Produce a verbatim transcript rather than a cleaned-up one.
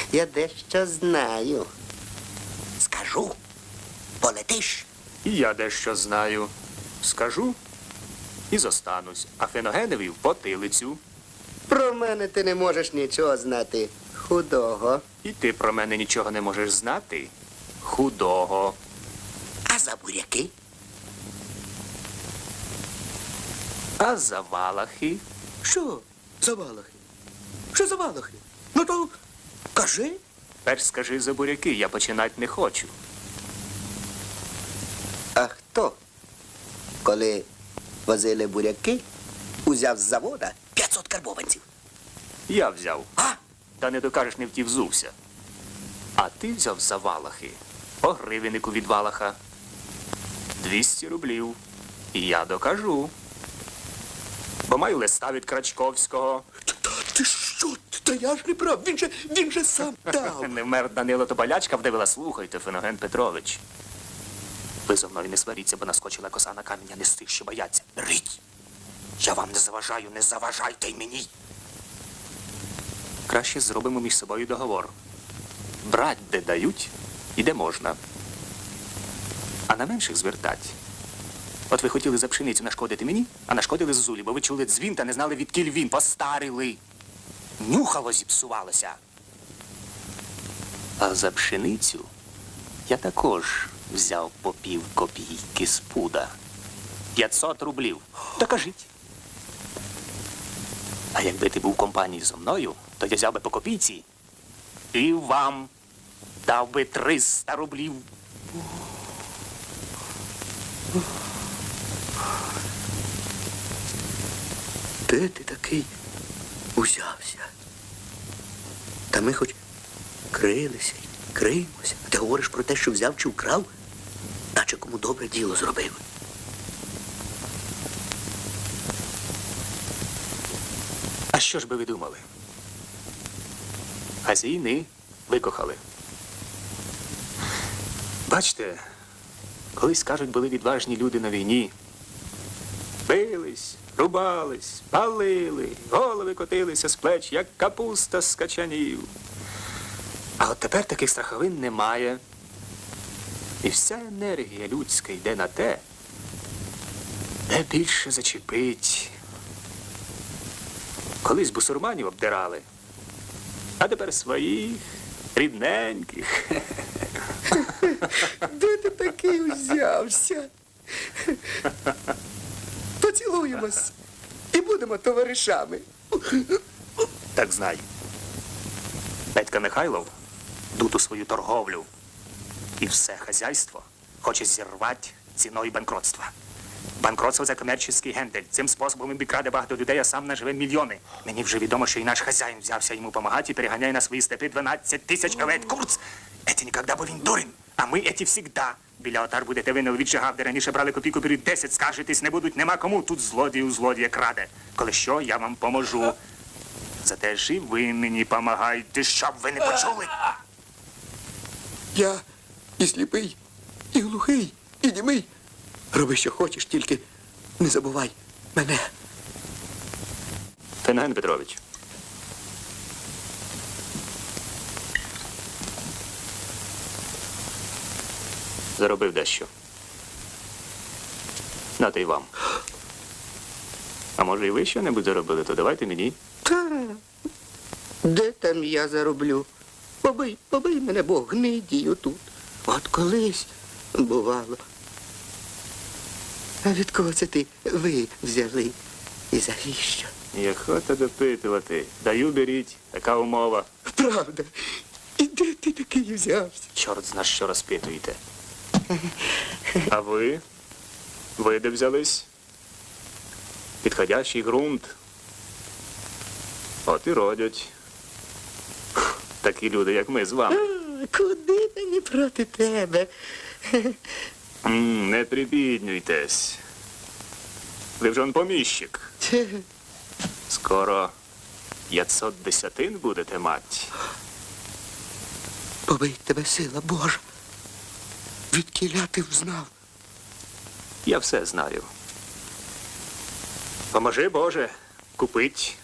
Я дещо знаю. Скажу, полетиш. І я дещо знаю. Скажу і зостанусь, а Феногенові в потилицю. Про мене ти не можеш нічого знати. Худого. І ти про мене нічого не можеш знати. Худого. А за буряки? А за валахи? Що за валахи? Що за валахи? Ну то кажи. Перш скажи за буряки, я починати не хочу. А хто, коли возили буряки, узяв з завода п'ятсот карбованців? Я взяв. А? Та не докажеш, не втів взувся. А ти взяв за валахи. По гривеннику від валаха. двісті рублів. І я докажу. Бо маю листа від Крачковського. Та ти що? Та я ж не прав. Він же, він же сам дав. Не вмер Данило Тополячка вдивила. Слухайте, Феноген Петрович. Ви зо мною не сваріться, бо наскочила коса на камінь, а не з тих, що бояться. Рить. Я вам не заважаю, не заважайте й мені. Краще зробимо між собою договор. Брать, де дають, і де можна. А на менших звертать. От ви хотіли за пшеницю нашкодити мені, а нашкодили Зозулі, бо ви чули дзвін та не знали, відкіль він. Постарили. Нюхало зіпсувалося. А за пшеницю я також взяв по пів копійки з пуда. п'ятсот рублів. Та кажіть. А якби ти був в компанії зо мною, то я взяв би по копійці і вам дав би триста рублів. Де ти такий узявся? Та ми хоч крилися й криємося. А ти говориш про те, що взяв чи вкрав, наче кому добре діло зробив. А що ж би ви думали? А з війни викохали. Бачите, колись, кажуть, були відважні люди на війні. Бились, рубались, палили, голови котилися з плеч, як капуста з качанів. А от тепер таких страховин немає. І вся енергія людська йде на те, де більше зачепить. Колись бусурманів обдирали, а тепер своїх, рідненьких. Де ти такий узявся? Поцілуємось і будемо товаришами. Так знай. Петька Михайлов дуту свою торговлю і все хазяйство хоче зірвати ціною банкротства. Банкротство – це комерційний гендель. Цим способом він бікраде багато людей, а сам наживе мільйони. Мені вже відомо, що і наш хазяїн взявся йому допомагати і переганяє на свої степи дванадцять тисяч овець. Курц! Еті ніколи, бо він дурень, а ми еті всігда. Біля отар будете ви не віджигав, де раніше брали копійку, беруть десять, скаржитись не будуть, нема кому. Тут злодій у злодія краде. Коли що, я вам поможу. Зате ж і ви мені помагайте, щоб ви не почули. Я і сліпий, і глухий, і німий. Роби, що хочеш, тільки не забувай мене. Феноген Петрович. Заробив дещо. Нате й вам. А може і ви що-небудь заробили, то давайте мені. Та, де там я зароблю? Побий, побий мене, Бог, гнидію тут. От колись бувало. А від кого це ти ви взяли? І завіщо? І охота допитувати. Даю, беріть. Така умова. Правда. І де ти такий взявся? Чорт зна, що розпитуєте. А ви? Ви де взялись? Підходящий ґрунт. От і родять. Такі люди, як ми з вами. А, куди мені проти тебе? М, не прибіднюйтесь. Ви вже он поміщик. Скоро п'ятсот десятин будете мати. Побий тебе сила Божа. Відкіля ти взнав? Я все знаю. Поможи, Боже, купить